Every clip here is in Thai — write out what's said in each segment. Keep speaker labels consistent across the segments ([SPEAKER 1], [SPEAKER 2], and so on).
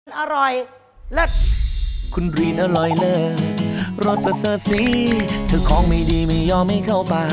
[SPEAKER 1] อร่อยเลิศ
[SPEAKER 2] คุณรีนอร่อยเลิศรสประเสริฐสีเธอของไม่ดีไม่ยอมไม่เข้าปาก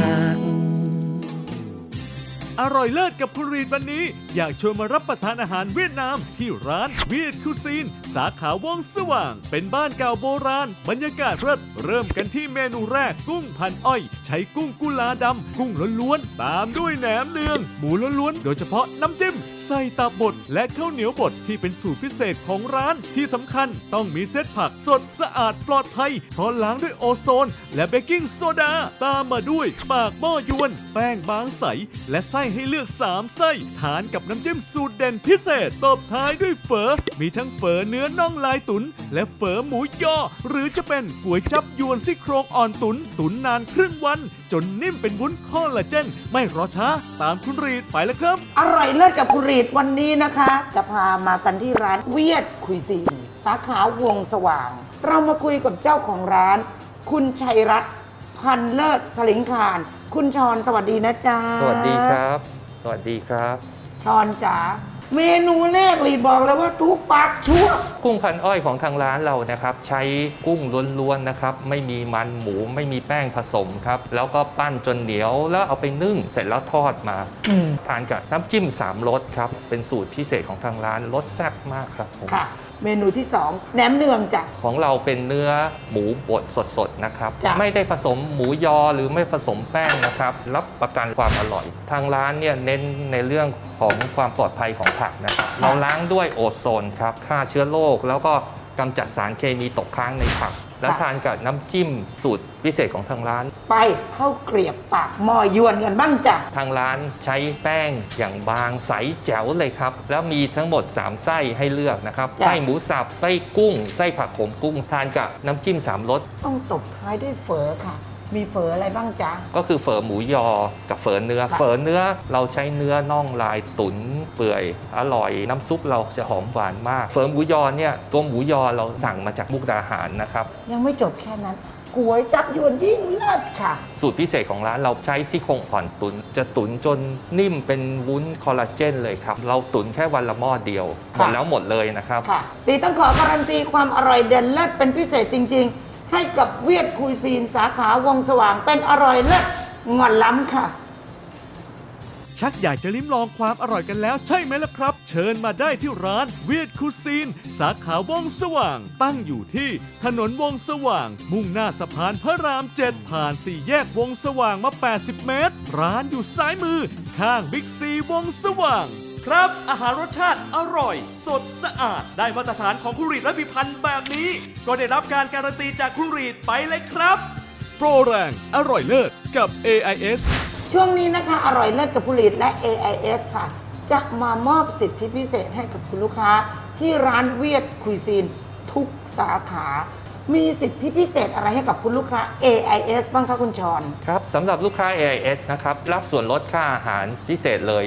[SPEAKER 3] อร่อยเลิศกับคุณรีนวันนี้อยากชวนมารับประทานอาหารเวียดนามที่ร้านเวียดคูซีนสาขาวงสว่างเป็นบ้านเก่าโบราณบรรยากาศเริ่มกันที่เมนูแรกกุ้งพันอ้อยใช้กุ้งกุลาดำกุ้งล้วนๆตามด้วยแหนมเนืองหมูล้วนๆโดยเฉพาะน้ำจิ้มใส่ตับบดและข้าวเหนียวบดที่เป็นสูตรพิเศษของร้านที่สำคัญต้องมีเซตผักสดสะอาดปลอดภัยเพราะล้างด้วยโอโซนและเบกกิ้งโซดาตามมาด้วยปากหม้อยวนแป้งบางใสและไส้ให้เลือก3ไส้ทานกับน้ำจิ้มสูตรเด่นพิเศษตบท้ายด้วยเฝอมีทั้งเฝอเนื้อน่องลายตุ๋นและเฝอหมูยอหรือจะเป็นก๋วยจับยวนซี่โครงอ่อนตุ๋นนานครึ่งวันจนนิ่มเป็นวุ้นคอลลาเจนไม่รอช้าตามคุณรีดไปแล้วครับ
[SPEAKER 1] อร่อยเลิศกับคุณรีดวันนี้นะคะ จะพามากันที่ร้านเวียดคุยซีนสาขาวงสว่าง เรามาคุยกับเจ้าของร้าน คุณชัยรัตน์พันเลิศสลิงคารคุณชรสวัสดีนะจ๊ะ
[SPEAKER 4] สวัสดีครับ สวัสดีครับ
[SPEAKER 1] ชรจ๋าเมนูแรกรีดบอกเลยว่าทุกปากชั่ว
[SPEAKER 4] กุ้งพันอ้อยของทางร้านเรานะครับ ใช้กุ้งล้วนๆนะครับ ไม่มีมันหมูไม่มีแป้งผสมครับ แล้วก็ปั้นจนเหนียวแล้วเอาไปนึ่งเสร็จแล้วทอดมาทานกับน้ำจิ้ม3รสครับ เป็นสูตรพิเศษของทางร้านรสแซ่บมากครับผม
[SPEAKER 1] ค่ะ เมนูที่2แหนมเนืองจ้ะ
[SPEAKER 4] ของเราเป็นเนื้อหมูบดสดๆนะครับ
[SPEAKER 1] จ้ะ
[SPEAKER 4] ไม่ได้ผสมหมูยอหรือไม่ผสมแป้งนะครับ รับประกันความอร่อย ทางร้านเนี่ยเน้นในเรื่องของความปลอดภัยของผักนะครับ เราล้างด้วยโอโซนครับฆ่าเชื้อโรคแล้วก็กำจัดสารเคมีตกค้างในผัก แล้วทานกับน้ำจิ้มสูตรพิเศษของทางร้าน
[SPEAKER 1] ไปเข้าวเกลียบปากหม้อยวนกันบ้างจ้ะ
[SPEAKER 4] ทางร้านใช้แป้งอย่างบางใสแจ๋วเลยครับ แล้วมีทั้งหมด 3 ไส้ให้เลือกนะครับ
[SPEAKER 1] จ้ะ
[SPEAKER 4] ไส้หมูสับไส้กุ้ง ไส้ผักโขมกุ้ง ทานกับน้ำจิ้ม3รส
[SPEAKER 1] ต้องตบท้ายด้วยเฝอค่ะ มีเฝออะไรบ้างจ๊ะ
[SPEAKER 4] ก็คือเฝอหมูยอกับเฝอเนื้อ
[SPEAKER 1] ค่ะ
[SPEAKER 4] เฝอเนื้อเราใช้เนื้อน่องลายตุ๋นเปื่อยอร่อย น้ำซุปเราจะหอมหวานมาก เฝอหมูยอเนี่ยตัวหมูยอเราสั่งมาจากมุกดาหารนะครับ
[SPEAKER 1] ยังไม่จบแค่นั้นก๋วยจับยวนยิ่งเลิศค่ะ
[SPEAKER 4] สูตรพิเศษของร้านเราใช้ซี่โครงอ่อนตุ๋นจะตุ๋นจนนิ่มเป็นวุ้นคอลลาเจนเลยครับ เราตุ๋นแค่วันละหม้อเดียวหมดแล้วหมดเลยนะครับ
[SPEAKER 1] ค่ะตีต้องขอการันตีความอร่อยเด่นเลิศเป็นพิเศษจริง ๆ ให้กับเวียดคุยซีนสาขาวงสว่างเป็นอร่อยเลิศงอนล้ำค่ะ
[SPEAKER 3] ชักอยากจะลิ้มลองความอร่อยกันแล้วใช่ไหมล่ะครับ เชิญมาได้ที่ร้านเวียดคูซีนสาขาวงสว่าง ตั้งอยู่ที่ถนนวงสว่าง มุ่งหน้าสะพานพระราม 7 ผ่าน4แยกวงสว่างมา 80 เมตร ร้านอยู่ซ้ายมือ ข้างบิ๊กซีวงสว่าง ครับอาหารรสชาติอร่อย สดสะอาดได้มาตรฐานของคุณรีดและพิพันธ์แบบนี้ ก็ได้รับการการันตีจากคุณรีดไปเลยครับโปรแรงอร่อยเลิศกับ AIS
[SPEAKER 1] ช่วงนี้นะคะอร่อยเลิศกับผลิตและ AIS ค่ะ จะมามอบสิทธิพิเศษให้กับคุณลูกค้า ที่ร้านเวียดคุยซีนทุกสาขา มีสิทธิพิเศษอะไรให้กับคุณลูกค้า AIS บ้างคะคุณชร
[SPEAKER 4] ครับสำหรับลูกค้า AIS นะครับรับส่วนลดค่าอาหารพิเศษเลย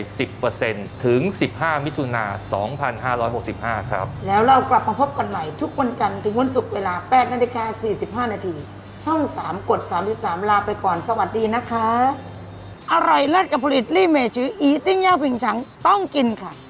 [SPEAKER 4] 10% ถึง 15 มิถุนา2565 ครับ
[SPEAKER 1] แล้วเรากลับมาพบกันใหม่ทุกวันจันทร์ถึงวันศุกร์เวลา 8:45 นาที ช่อง 3 กด 33 ลาไปก่อนสวัสดีนะคะ อร่อยเลิศกับผลิตลี่เมจืออีติ้งย่าผิงฉังต้องกินค่ะ